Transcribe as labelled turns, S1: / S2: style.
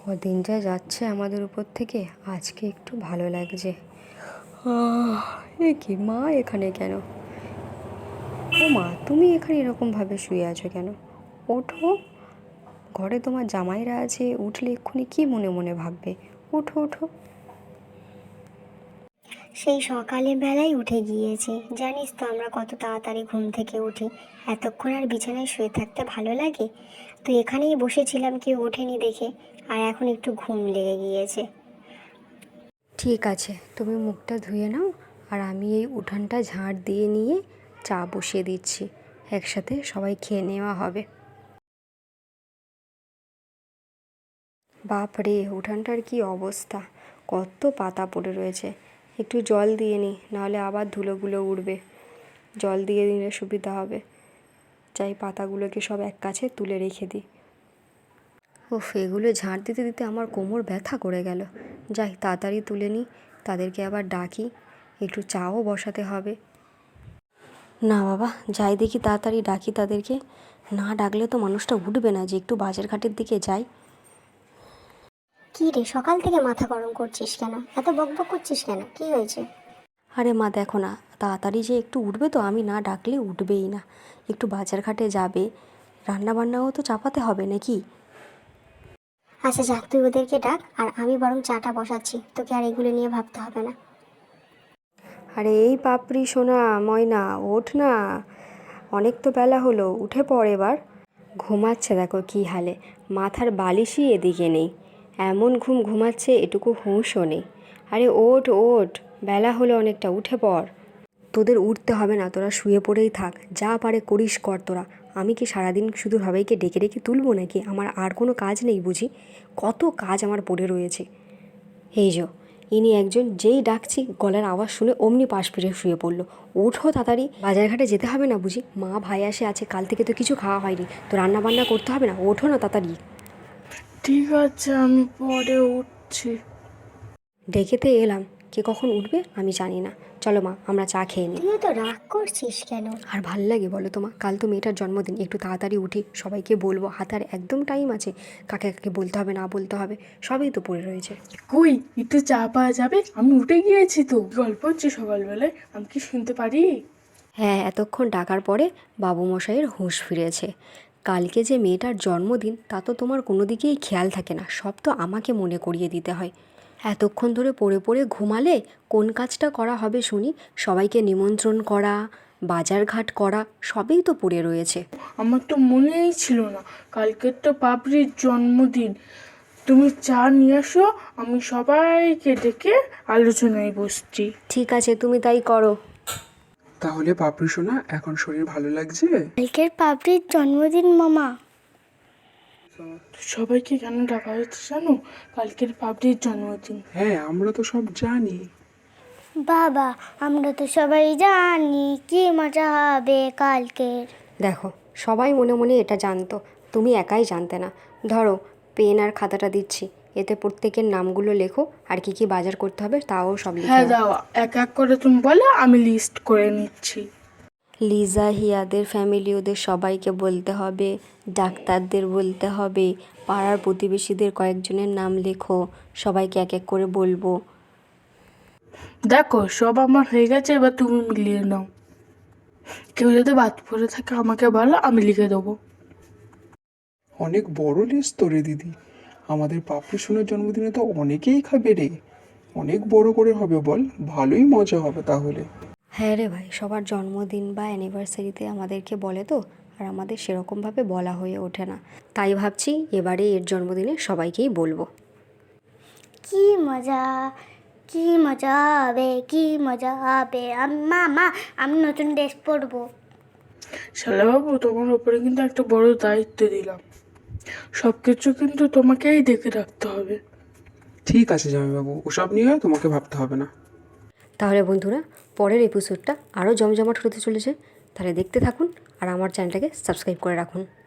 S1: দিন যা যাচ্ছে আমাদের উপর থেকে, আজকে একটু ভালো লাগছে। এ কি মা এখানে কেন? ও মা, তুমি এখানে এরকমভাবে শুয়ে আছো কেন? ওঠো, ঘরে তোমার জামাইরা আছে, উঠলে এক্ষুনি কি মনে মনে ভাববে। ওঠো ওঠো।
S2: সেই সকালে বেলায় উঠে গিয়েছে। জানিস তো আমরা কত তাড়াতাড়ি ঘুম থেকে উঠি। এতক্ষণ আর বিছানায় শুয়ে থাকতে ভালো লাগে? তো এখানেই বসেছিলাম, কেউ ওঠেনি দেখে, আর এখন একটু ঘুম লেগে গিয়েছে।
S1: ঠিক আছে, তুমি মুখটা ধুয়ে নাও, আর আমি এই উঠানটা ঝাড় দিয়ে নিয়ে চা বসিয়ে দিচ্ছি। একসাথে সবাই খেয়ে নেওয়া হবে। বাপ রে, উঠানটার কি অবস্থা! কত পাতা পড়ে রয়েছে। একটু জল দিয়ে নিই, নাহলে আবার ধুলোগুলো উড়বে। জল দিয়ে দিলে সুবিধা হবে। চাই পাতাগুলোকে সব এক কাছে তুলে রেখে দিই। উফ, এগুলো ঝাড় দিতে দিতে আমার কোমর ব্যথা করে গেল। যাই তাড়াতাড়ি তুলে নিই, তাদেরকে আবার ডাকি, একটু চাও বসাতে হবে। না বাবা, যাই দেখি তাড়াতাড়ি ডাকি তাদেরকে। না ডাকলে তো মানুষটা উঠবে না যে একটু বাজার ঘাটের দিকে যাই।
S2: কি রে, সকাল থেকে মাথা গরম করছিস কেন? এত বকবক করছিস কেন? কি হয়েছে?
S1: আরে মা, দেখো না, তাড়াতাড়ি যে একটু উঠবে তো, আমি না ডাকলে উঠবেই না। একটু বাজার ঘাটে যাবে, রান্না বান্নাও তো চাপাতে হবে নাকি।
S2: আচ্ছা যা, তুই ওদেরকে ডাক, আর আমি বরং চাটা বসাচ্ছি, তোকে আর এগুলো নিয়ে ভাবতে হবে না।
S1: আরে এই পাপড়ি সোনা, ময়না, ওঠ না। অনেক তো বেলা হলো, উঠে পড় এবার। ঘুমাচ্ছে দেখো কি হালে, মাথার বালিশই এদিকে নেই। এমন ঘুম ঘুমাচ্ছে, এটুকু হুঁশও নেই। আরে ওঠ ওঠ, বেলা হলো অনেকটা, উঠে পড়। তোদের উঠতে হবে না, তোরা শুয়ে পড়েই থাক, যা পারে করিস কর তোরা। আমি কি সারাদিন শুধু সবাইকে ডেকে ডেকে তুলবো নাকি? আমার আর কোনো কাজ নেই বুঝি? কত কাজ আমার পড়ে রয়েছে। এই যো, ইনি একজন, যেই ডাকছি গলার আওয়াজ শুনে অমনি পাশ ফিরে শুয়ে পড়লো। ওঠো তাড়াতাড়ি, বাজারঘাটে যেতে হবে না বুঝি? মা ভাই আসে আছে, কাল থেকে তো কিছু খাওয়া হয়নি, তো রান্না বান্না করতে হবে না? ওঠো না তাড়াতাড়ি।
S3: ঠিক আছে, আমি পরে উঠছি।
S1: ডেকেতে এলাম, কে কখন উঠবে আমি জানি না। চলো মা, আমরা চা খেয়ে নিই।
S2: তুইও তো রাগ করছিস কেন?
S1: আর ভাল লাগে বলো তোমা? কাল তো মেয়েটার জন্মদিন, একটু তাড়াতাড়ি উঠি, সবাইকে বলবো। হাতে আর একদম টাইম আছে, কাকে কাকে বলতে হবে না বলতে হবে, সবই তো পড়ে রয়েছে।
S3: কই, একটু চা পাওয়া যাবে? আমি উঠে গিয়েছি তো। গল্প হচ্ছে সকালবেলায়, আমি কি শুনতে পারি?
S1: হ্যাঁ, এতক্ষণ ডাকার পরে বাবু মশাইয়ের হুঁশ ফিরেছে। কালকে যে মেয়েটার জন্মদিন, তা তো তোমার কোনো দিকেই খেয়াল থাকে না, সব তো আমাকে মনে করিয়ে দিতে হয়। এতক্ষণ ধরে পড়ে পড়ে ঘুমালে কোন কাজটা করা হবে শুনি? সবাইকে নিমন্ত্রণ করা, বাজারঘাট করা, সবই তো পড়ে রয়েছে।
S3: আমার তো মনেই ছিল না কালকের তো পাপড়ির জন্মদিন। তুমি চা নিয়ে আসো, আমি সবাইকে ডেকে আলোচনায় বসছি।
S1: ঠিক আছে, তুমি তাই করো।
S4: তাহলে পাপড়ি সোনা, এখন শরীর ভালো লাগছে?
S2: কালকের পাপড়ির জন্মদিন মামা।
S3: সবাইকে কেন ডাকা হয়েছে জানো? কালকের পাপড়ির জন্মদিন।
S4: হ্যাঁ, আমরা তো সব জানি।
S2: বাবা, আমরা তো সবাই জানি কি মজা হবে কালকের।
S1: দেখো, সবাই মনে মনে এটা জানতো, তুমি একাই জানতে না। ধরো, পেন আর খাতাটা দিচ্ছি, এতে প্রত্যেকের নামগুলো লেখো, আর কি কি বাজার করতে হবে তাও সব লিখে
S3: হ্যাঁ
S1: নাও।
S3: দাও, এক এক করে তুমি বলো, আমি লিস্ট করে নিচ্ছি।
S1: লিজা, হিয়াদের ফ্যামিলি, ওদের সবাইকে বলতে হবে, ডাক্তারদের বলতে হবে, পাড়ার প্রতিবেশীদের কয়েকজনের নাম লেখো, সবাইকে এক এক করে বলবো।
S3: দেখো, সব আমার হয়ে গেছে, এবার তুমি মিলিয়ে নাও। কেউ যদি বাদ পড়ে থাকে আমাকে বলো, আমি লিখে দেবো।
S4: অনেক বড় লিস্ট তো রে দিদি। আমাদের পাপড়ি সোনার জন্মদিনে তো অনেকেই খাবে রে। অনেক বড় করে হবে বল, ভালোই মজা হবে তাহলে।
S1: হ্যাঁ রে ভাই, সবার জন্মদিন বা অ্যানিভার্সারিতে আমাদেরকে বলে তো, আর আমাদের সেরকমভাবে বলা হয়ে ওঠে না। তাই ভাবছি এবারে এর জন্মদিনে সবাইকেই বলবো।
S2: কি মজা, কি মজা হবে, কি মজা হবে। মামা, আমি নতুন ড্রেস পরবো।
S3: শালাবাবু, তোমার ওপরে কিন্তু একটা বড় দায়িত্ব দিলাম। সব কিছু কিন্তু তোমাকেই দেখে রাখতে হবে।
S4: ঠিক আছে জামাইবাবু, ওসব নিয়ে তোমাকে ভাবতে হবে না।
S1: তাহলে বন্ধুরা, পরের এপিসোডটা আরও জমজমাট হতে চলেছে, তাহলে দেখতে থাকুন, আর আমার চ্যানেলটাকে সাবস্ক্রাইব করে রাখুন।